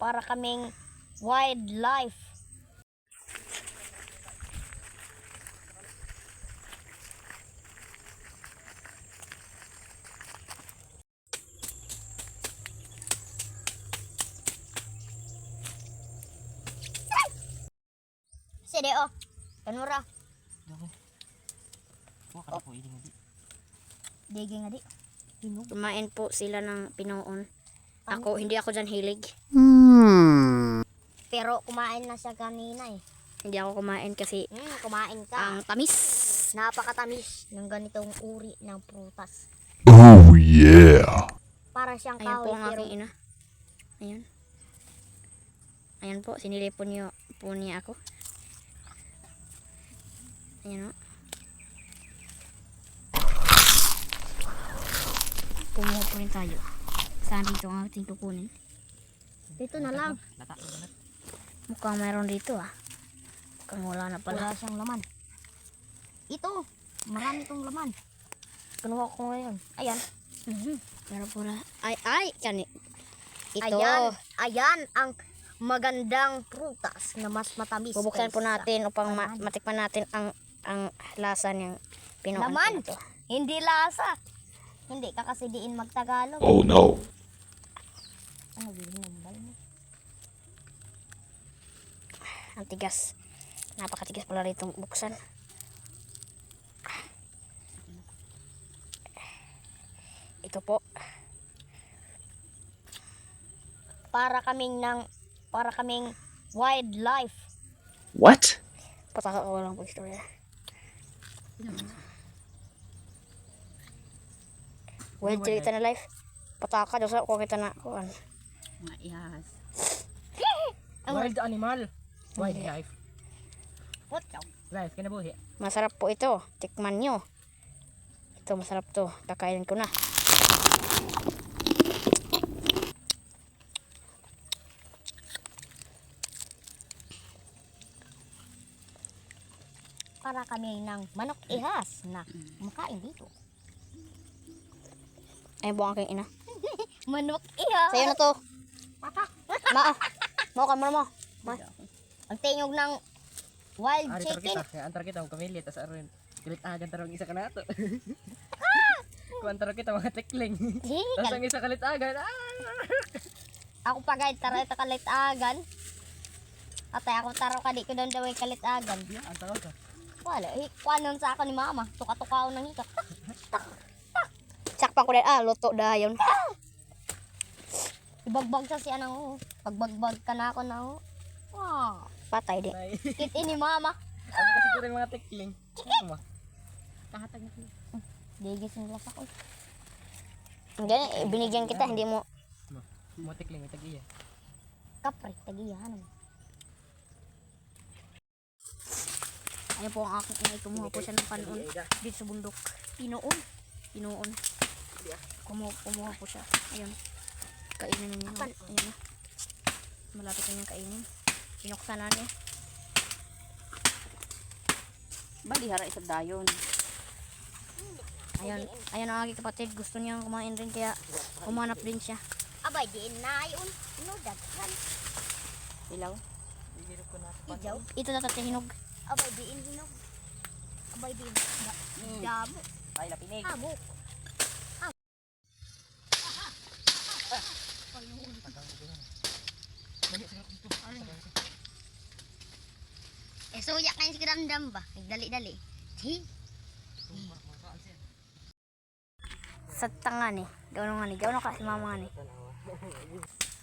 para kaming wildlife. Sige oh, kanura. Digi nga di. Kumain po sila ng pinoon. Ako, hindi ako dyan hilig. Pero kumain na siya kanina eh. Hindi ako kumain kasi Kumain ka. ang tamis. Napakatamis ng ganitong uri ng prutas. Oh yeah. Para siyang Ayan po kahoy ang pero aking ina. Ayan. Ayan po, sinilipon niyo po niya ako. Ayan o. Kumuha po rin tayo. Saan dito ang ating kukunin? dito na lang. Mukhang meron dito ah. Mukhang wala na pala. Wala siyang laman. Ito, marami tong laman. Kinuha ko ngayon. Ayan. Pero pula. Ay, yan eh. Ito. Ayan ang magandang prutas na mas matamis. Bubuksan po kaysa natin upang laman. matikman natin ang lasa niyang pinoon. Laman. po na to. Hindi lasa. Hindi ka kasi diin magtagalog. Oh no. Ano binambal mo? Ang tigas. Napakatigas pala rito buksan. Ito po. Para kaming wildlife. What? Pataka ko lang po istorya. Wild kita na life. Pataka doon sa kung kita na kuan. Mga ihas. Wild animal. Wildlife. What? Life, kinabuhi. Masarap po ito. Tikman nyo. Ito masarap to. Kakainin ko na. Para kami ng manok ihas na makain dito. Ayun po ang aking ina. Manok ihas. Sa'yo na to. Ma. Mo ka mo. Ang tingog ng wild Ari chicken. kita, antar kita ang kamili tas aron. Kilit agan tarong isa ka nato. Kung antar kita mga tekling. Tas ang isa kalit agan. Ako pa guide tara ito kalit agan. Atay ako taro kadi ko doon daw kalit agan. Antar ka. Wala, kuanon sa ako ni mama. Tuka-tukaw ng hika. Sakpan ko din. Luto dayon. Ibagbag sa siya nang pagbagbag ka na ako na Patay di. Nay. Kit ini mama. Ano kasi ko rin mga tekling. Ano? Kahatag na sila. Digis ng lasa ko. Ganyan, binigyan kita. Hindi mo. Mo tekling may tagiya. Kapre, tagiyahan mo. Ayun po ang aking ina. Kumuha po siya ng panon. Dito sa bundok. Pinoon. Kumuha po siya. Ayun. Kainin na niya. Ayun na. Malapit na niyang kainin. Pinuksan na niya. Balihara isa dayon. Ayun. Ayun ang aking kapatid. Gusto niyang kumain rin. Kaya umanap din siya. Abay, diin na yun. No, daghan. Ilaw. Ijaw. Ito na hinog. Abay, diin hinog. Abay, diin. Damo. Ay lapinig. Habok. Suyak na yung sikidamdam ba? Nagdali-dali. Sa tanga ni. Gawin nga ni. Gawin ka si mama nga ni.